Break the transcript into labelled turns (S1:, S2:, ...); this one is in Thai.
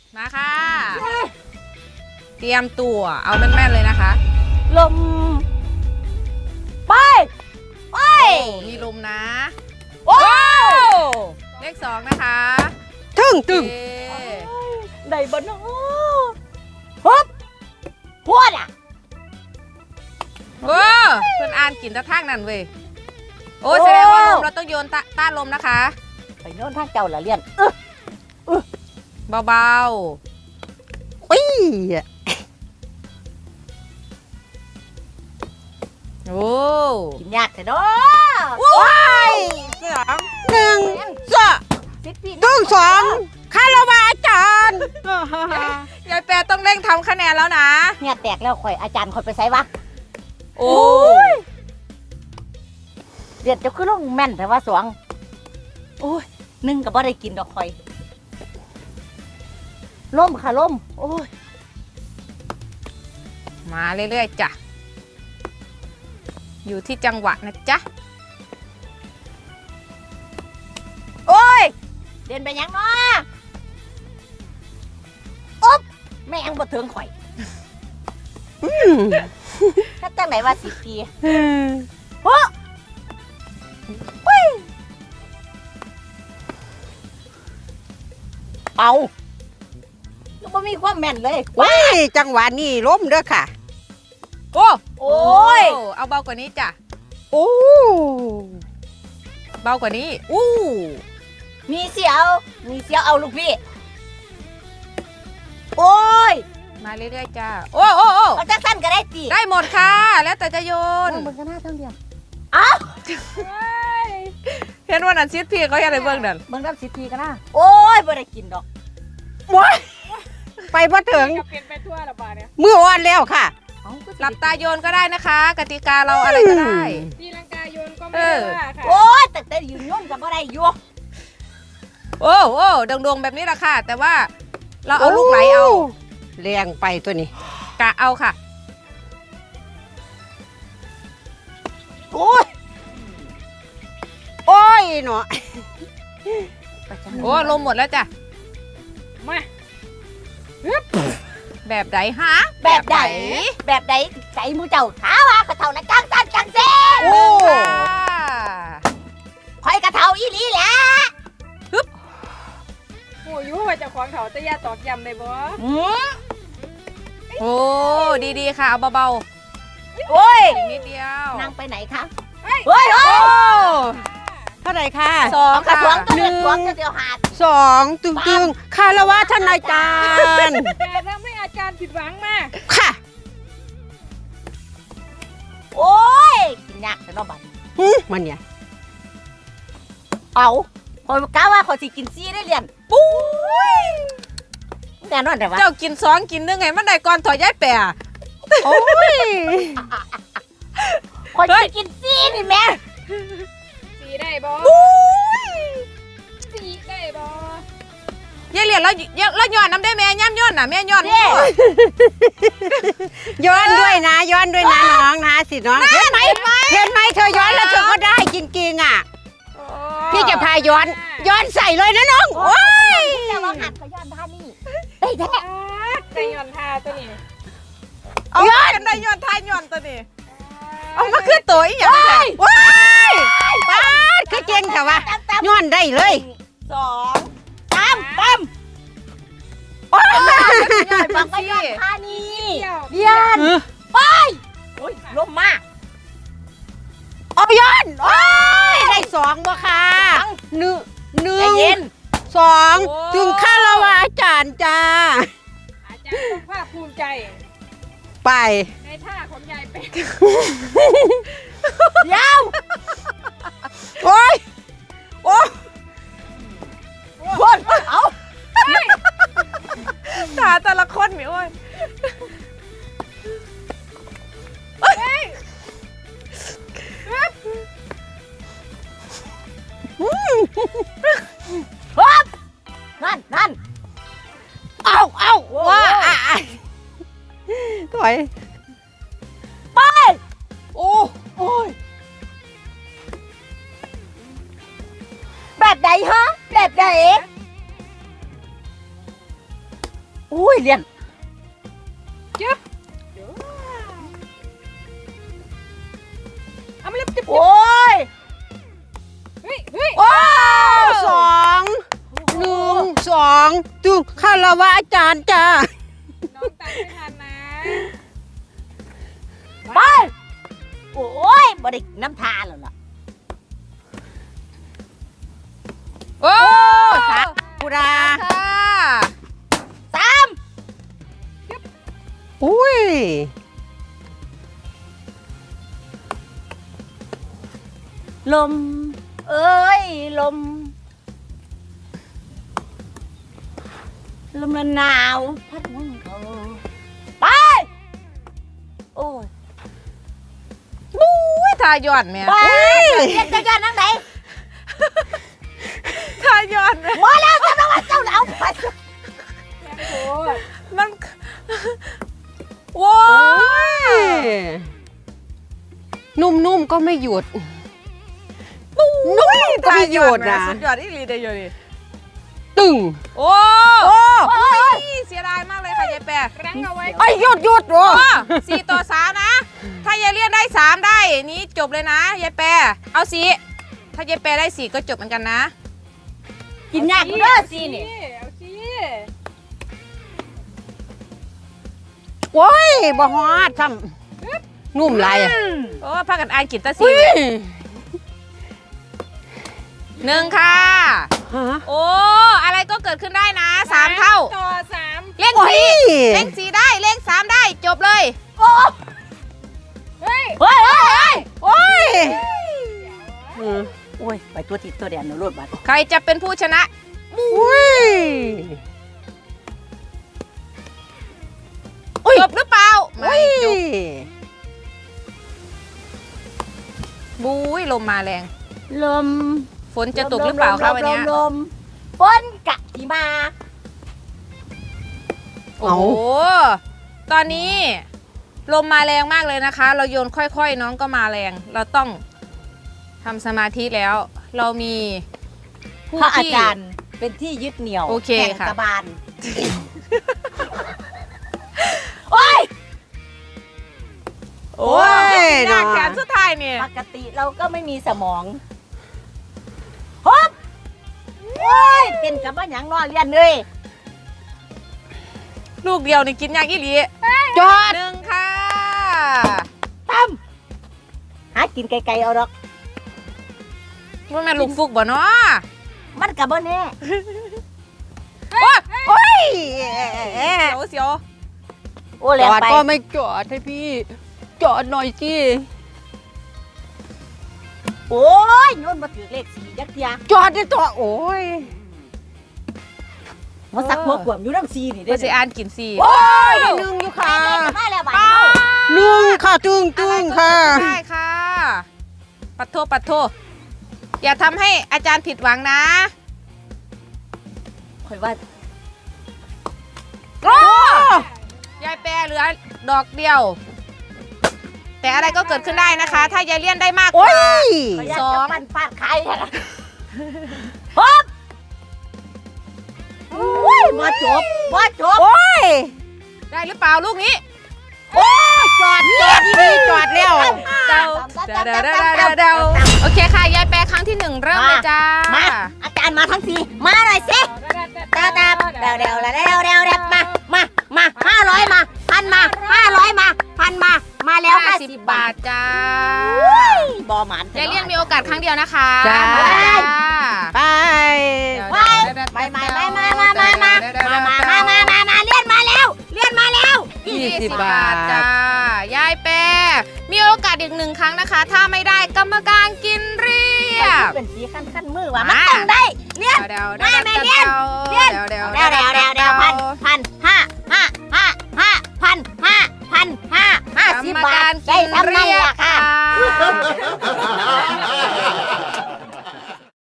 S1: มาค่ะเตรียมตัวเอาแม่นๆเลยนะคะ
S2: ลมไปไป
S1: มีลมนะ
S2: โอ้
S1: เลข2นะคะ
S3: ตึ้ง
S2: ได้บ่เนาะฮึบพวดอ่ะ
S1: เพื่อนอ่านกินตะทางนั่นเว้ยโอ้แสดงว่าลมเราต้องโยนต้านลมนะคะ
S2: ไปโน่นทางเจ้าละเลียน
S1: เบา
S3: ๆอุ้ย
S1: โอ้
S2: กินยากแต่เนาะ
S3: ว้าย1 2 ตึ้ง2คารวะอาจารย์
S1: ยายแปรต้องเร่งทำคะแนนแล้วนะ
S2: เนี่ยแตกแล้วข่อยอาจารย์ข่อยไปไสวะ
S1: โอ้
S2: เรียนจะขึ้นลงแม่นแต่ว่าสวงโอ้ย1ก็บ่ได้กินดอกข่อยล่มค่ะล่มโอ้ย
S1: มาเรื่อยๆจ้ะอยู่ที่จังหวะนะจ๊ะ
S2: โอ้ยเดินไปยังเนาะอ๊บแม่งบ่ถึงข่อยถ้าจังไหนว่า10 ปีโอ้เอาก็บ่มีความแม่นเลย
S3: ว้ายจังหวะนี้ล้มเด้อค่ะ
S1: โอ้
S2: ย
S1: เอาเบากว่านี้จ้ะ
S3: โอ้
S1: เบากว่านี้
S2: มีเสียวเอาลูกพี่โอ้ย
S1: มาเรื่อยๆจ้ะโอ้
S2: เอาจักสั้นก็ได้ตี
S1: ได้หมดค่ะแล้วแต่จะโยน
S2: มึงก็น่าทั้งเดียวอ้าว
S1: เห็นว่านั่นซิดพี่เขาอยากได้เบิ่งนั่น
S2: เบิ่งน้ำ10 ปีก็น่าโอ้ยบ่ได้กินดอก
S3: ว้ายไปบ่ถึง
S1: เปลี่ยนไปทั่วละบาทเนี่ย
S3: มืออ่อนแล้วค่ะ
S1: หลับตาโยนก็ได้นะคะกติกาเราอะไรก็ได้
S4: ตีลังกาโยนก็ไม่ได้ว่าค่ะ
S2: โอ้ยแต่ยืนย่นกับบ่ได้อยู่
S1: โอ้ดวงแบบนี้แหละค่ะแต่ว่าเราเอาลูกไหลเอา
S3: แรงไปตัวนี้
S1: กะเอาค่ะ
S3: โอ้ยเนาะ
S1: โอ้ลมหมดแล้วจ้ะ
S4: มา
S1: แบบไหนฮะ
S2: แบบไหนใจมูเจ้าขาว่ากระเท่านะกลางตันกลางเส้น
S1: โอ้
S2: คอยกระเท่าอีหลีแหละ
S4: โอ้ยว่าจะของเขาจะยาตอกย้ำได้บ่
S1: โอ้ดีๆค่ะเอาเบา
S2: ๆโอ้ย
S1: นิดเดียว
S2: นั่งไปไหนคะ
S3: เฮ้ยเท่าไหร่ค่ะ
S2: 2 ค่ะ2เดียวหา
S3: 2 ตึงคารวะท่านอาจารย์
S4: แต่ทำให้อาจารย์ผิดหวังมาก
S3: ค่ะ
S2: โอ้ยกินยากแต่นอกบ้าน
S3: มันเนี่ย
S2: เอาคอยกล้าว่าขอสิกินซี่ได้เรียนปุ้ยแต่นอนแต่ว่า
S1: เจ้ากิน2กิน1ไงมันได้ก่อนถอยย้ายแปะ
S3: โอ้ย
S2: คอยสิกินซี่นี่แม่
S4: สีได้บ่สีได้บ่
S1: ยายเหรียญแล้วย้อนน้ำได้แม่ย่ำย้อนน่ะแม่ย้อน
S3: ย้อนด้วยนะน้องนะสิน้องเห็นไหมเธอย้อนแล้วเธอก็ได้จริงๆอ่ะพี่จะพาย้อนใส่เลยนะน้องโอ้ย
S2: จะลองหัดเขาย้อนท่านี่ได้แท้
S4: ได้ย้อนท่าตัวนี้
S1: เอากันได้ย้อนท่าย้อนตัวนี้เอามาขึ้นตัวอีกอย่างนี้
S3: ว้ายป้าคือเจงค่ะวะย้อนได้เลย
S2: 2 3โอ้ยบอกว่าย้อนท่านี่เดียนไปโอ้ยลมมาก
S3: เอาย้อนโอ้ยได้2บ่ค่ะ1 2ถึงคารวะอาจารย์จ้า
S4: อาจารย์ต้องภาคภูมิใจ
S3: ไป
S4: ในท่าของยายเป็ด
S2: เดี๋ยว
S3: โอ้ย
S2: เอา
S1: ตาแต่ละคนมีโอ้ย
S2: นั่น
S3: เอาว่าถอย
S2: ไป
S3: โอ้ย
S2: แบบไหนฮะแบบไหนอุ้ยเรียน
S4: จึ๊บเอามาเล็บจิ๊บ
S2: โอ้ย
S4: เฮ้ยเฮ้ย
S3: โอ้สองหนึ่งสองตึงคารวะอาจารย์จ้า
S4: น้องตัดไม่ทันนะ
S2: ไปโอ้ยบ่ได้น้ำทาแล้วล่ะ
S1: โอ้
S3: ปุรา
S1: ค่ะ
S2: สาม
S3: อุ้ย
S2: ลมเอ้ยลมหนาวพัดมุนเขาไปโอ้ย
S1: อุ้ยทายอนแม่
S2: ไปเรียนจะย้อนนั่งไหน
S1: ทายอนแม่
S2: มาแล้วจะต้องมาเจ้าเอาไป
S4: แรงโคตร
S1: มันโว้ย
S3: นุ่มๆก็ไม่หยุดนุ่มก็ไม่หยุดนะ
S1: สุดยอดอีหลีเดียวดิ
S3: ตึง
S1: โอ้
S3: โอ้
S1: เสียดายมากเลยค่ะยายแปร
S4: รั้งเอาไว้
S3: ไอ้ยหยุดโอ้
S1: โอ้4-3นะ ถ้ายายเลี่ยนได้3ได้นี้จบเลยนะยายแปรเอา4ถ้ายายแปรได้4ก็จบเหมือนกันนะ
S2: กินยากเด้อสินี่
S4: เอาสิ
S3: โอ้ยบ่ฮอดทำนุ่มไรอ่ะ
S1: โอ้พากันอ่านกินตะ
S3: อุ้
S1: 4
S3: ย
S1: 1ค่ะ
S3: ฮะ
S1: โอ้อะไรก็เกิดขึ้นได้นะ3เท่า
S4: ต่อ3
S1: เลข
S3: โอ้ย
S1: 4เลข4ได้เลข3ได้จบเลย
S2: โอ้
S4: เฮ้ย
S2: เฮ้ยเฮ้ยเฮ้ย
S3: โอ้ย
S2: โอ้ยไปตัวติดตัวแดนนะรถบัส
S1: ใครจะเป็นผู้ชนะ
S3: อุ้ย
S1: จบหรือเปล่าไม่
S3: อุ้ย
S1: จบบุ้ยลมมาแรง
S2: ลม
S1: ฝนจะตกหรือเปล่าคะวันเนี้ย
S2: ลมฝนกะที่มา
S1: โอ้โหตอนนี้ลมมาแรงมากเลยนะคะ เราโยนค่อยๆน้องก็มาแรง เราต้องทำสมาธิแล้ว เรามีผู้
S2: พระอา
S1: ที่
S2: จารย์เป็นที่ยึดเหนี่ยว
S1: โอเค
S2: แห่ง
S1: ค่ะ
S2: กบาลโอ้ย
S1: โอ้ยหน้าแขนสุดท้ายเนี่ย
S2: ปกติเราก็ไม่มีสมองฮบโอ้ยเป็นกับบ้านหยังนอนเรียนเลย
S1: ลูกเดียวนี่กินยากอีหลี
S3: จอด
S1: 1ค่ะ
S2: ตั้มหากินไกลๆเอาดอก
S1: ว่าแม่นลูกฟุกบ่เนาะ
S2: มันกับบ่แน่
S3: โอ้ย
S1: เสียว
S2: โอ้
S3: จ
S2: แรง
S3: อด
S2: ไป
S3: ก็ไม่จอดให้พี่ จอดหน่อยสิ
S2: โอ้ยโน่นมาถือเลขสี่ยักษ์เทีย
S3: จอดได้ต่อโอ้ย
S2: มาสักหัวขวมอยู่น้ำซีนี่
S1: ก็
S2: ได้
S1: สิอ่านกิน4
S3: โอ้ยได้หนึ่งอยู่ค่ะ
S2: มาแล้วบ้านเฮา
S3: หนึ่งค่ะตึงค่ะ
S1: ได้ค่ะ ปัดโทอย่าทำให้อาจารย์ผิดหวังนะ
S2: ข่อยว่า
S1: โอ้ยายแปรเหลือดอกเดียว แต่อะไรก็เกิดขึ้นได้นะคะ ถ้ายายเลี่ยนได้มากก
S3: โอ้
S1: ว่า
S3: ย
S2: ข่อยอยาก
S1: สอ
S2: จะ
S1: ง
S2: ปั่นฟาดใครอะฮบโอ้ยมาจบ
S3: โอ้ย
S1: ได้หรือเปล่าลูกนี้
S3: โอ้ยจอดดีจอดแล้ว
S1: เดาโอเคค่ะ ยายแปรครั้งที่ 1 เริ่มเลยจ้า
S2: มาอาจารย์มาทั้งสี่มาหน่อยสิตาเดวมา500มาพันมา500มาพันมาแล้ว50
S1: บาทจ้า
S2: บอหมัน
S1: ยายเลี่ยนมีโอกาสครั้งเดียวนะคะ
S3: จ้า ไป
S2: มาเลื่อนมาแล้ว
S3: 20 บาท
S1: จ้ายายแปรมีโอกาสอีก1 ครั้งนะคะ ถ้าไม่ได้กรรมการกินเรียบ
S2: เป็นสีขั้นมือว่ะมันต้องได้เลื่อน
S1: เดา
S2: พัน